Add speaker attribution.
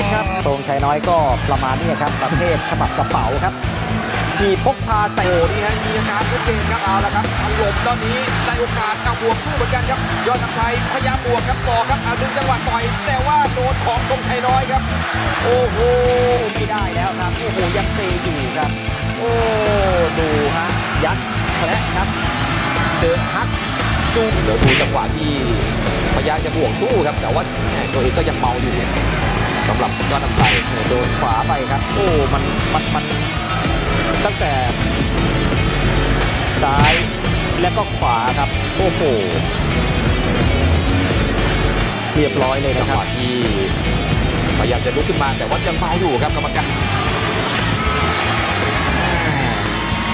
Speaker 1: ครับทรงชัยน้อยก็ประมาณนี้ครับประเภทฉบับกระเป๋าครับมีพกพาใส่
Speaker 2: โอ้นี่ฮะมีอาการชัดเจนครับเอาละครับถล่มตอนนี้ได้โอกาสเอาบวกสู้เหมือนกันครับยอดน้ำชัยพยายามบวกครับศอกครับเอาดึงจังหวะต่อยแต่ว่าโดนของทรงชัยน้อยครับโอ้โห
Speaker 1: ไม่ได้แล้วครับโอ้โหยังเซอยู่ครับโอ้ดูฮะยัดแผลครับเดินฮักจูง
Speaker 2: เดี๋ยวดูจังหวะที่พยายามจะบวกสู้ครับแต่ว่าตัวเองก็ยังเมาอยู่สำหรับยอดน้ำชัย
Speaker 1: โดนขวาไปครับโอ้มันตั้งแต่ซ้ายและก็ขวาครับโอ้โหเรียบร้อยเลย
Speaker 2: จั
Speaker 1: นะ
Speaker 2: ง
Speaker 1: ค
Speaker 2: ห
Speaker 1: รับ
Speaker 2: วะที่พยายามจะลุกขึ้นมาแต่ว่ายังเมาอยู่ครับกรรมการ